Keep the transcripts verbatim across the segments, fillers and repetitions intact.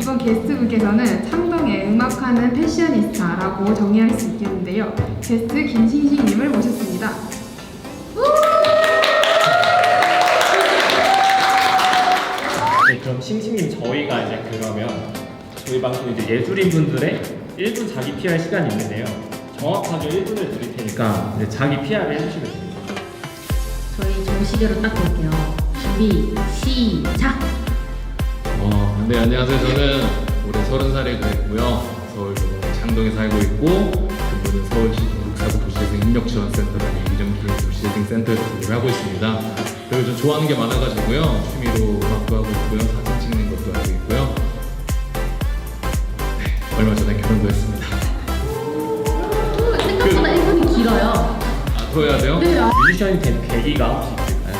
이번 게스트분께서는 창동의 음악하는 패셔니스타라고 정의할 수 있겠는데요. 게스트 김싱싱님을 모셨습니다. 네, 그럼 싱싱님 저희가 이제 그러면 저희 방송 이제 예술인 분들의 일 분 자기 피알 시간이 있는데요. 정확하게 일 분을 드릴 테니까 이제 자기 피알을 해주시면 됩니다. 저희 정시계로 딱 볼게요. 준비, 시작! 어, 네, 안녕하세요. 저는 올해 서른 살이 됐고요. 서울 창동에 살고 있고, 근무는 서울시 동국사구 도시재생 협력지원센터라는 이정기의 도시재생센터에서 근무를 하고 있습니다. 그리고 좀 좋아하는 게 많아가지고요. 취미로 음악도 하고 있고요. 사진 찍는 것도 하고 있고요. 네, 얼마 전에 결혼도 했습니다. 생각보다 일 분이 길어요. 아, 더 해야 돼요? 네, 아. 뮤지션이 된 계기가 혹시 있을까요?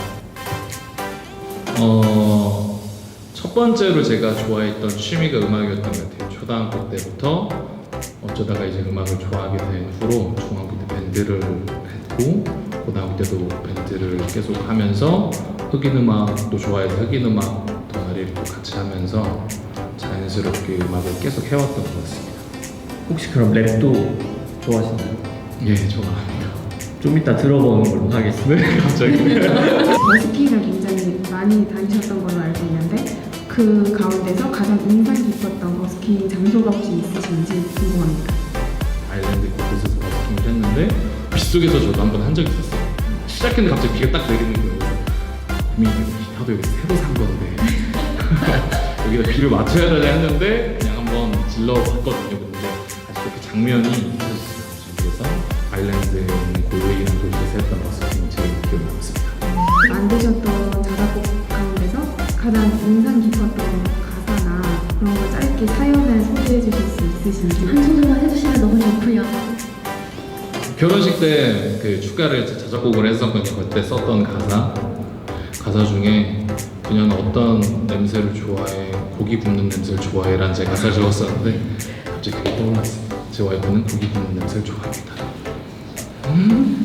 어, 첫 번째로 제가 좋아했던 취미가 음악이었던 것 같아요. 초등학교 때부터 어쩌다가 이제 음악을 좋아하게 된 후로 중학교 때 밴드를 했고 고등학교 때도 밴드를 계속 하면서 흑인 음악도 좋아해서 흑인 음악 동아리를 또 같이 하면서 자연스럽게 음악을 계속 해왔던 것 같습니다. 혹시 그럼 랩도 좋아하시나요? 예, 좋아합니다. 좀 이따 들어보는 걸로 하겠습니다. 갑자기. 버스킹을 굉장히 많이 다니셨던 걸로 알고 있는데 그 가운데서 가장 인상 깊었던 버스킹 장소가 혹시 있으신지 궁금합니다. 아일랜드 곳곳에서 버스킹을 했는데 빗속에서 저도 한 번 한 적이 있었어요. 시작했는데 갑자기 비가 딱 내리는 거예요. 그래서 고민이 되고 나도 여기 새로 산 건데 여기다 비를 맞춰야 되나 했는데 그냥 한번 질러봤거든요. 근데 아직 그렇게 장면이 있었어요. 그래서 아일랜드에 있는 골웨이라는 도시에서 했던 버스킹이 제일 기억에 남습니다. 만드셨던 자작곡 가운데서 가장 인상 깊었던 가사나 그런 거 짧게 사연을 소개해 주실 수 있으신지. 한 소절만 해주시면 너무 좋고요. 결혼식 때 그 축가를 자작곡을 했었거든요. 그때 썼던 가사 가사 중에 그녀는 어떤 냄새를 좋아해, 고기 굽는 냄새를 좋아해 라는 제 가사를 적었었는데 갑자기 그게 떠올랐어요. 제 와이프는 고기 굽는 냄새를 좋아합니다. 음?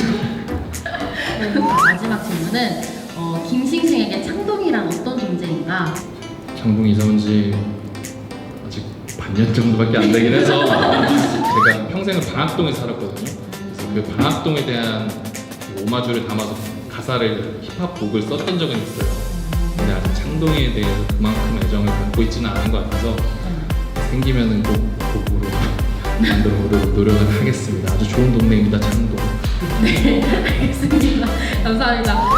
마지막 질문은 어, 김싱싱에게 창동이란 어떤 존재인가? 창동 이사 온 지 아직 반년 정도밖에 안 되긴 해서 제가 평생을 방학동에 살았거든요. 그래서 그 방학동에 대한 오마주를 담아서 가사를 힙합 곡을 썼던 적은 있어요. 근데 아직 창동에 대해서 그만큼 애정을 갖고 있지는 않은 것 같아서 생기면은 꼭 곡으로 만들어 보려고 노력을 하겠습니다. 아주 좋은 동네입니다, 창동. 네, 알겠습니다. 감사합니다.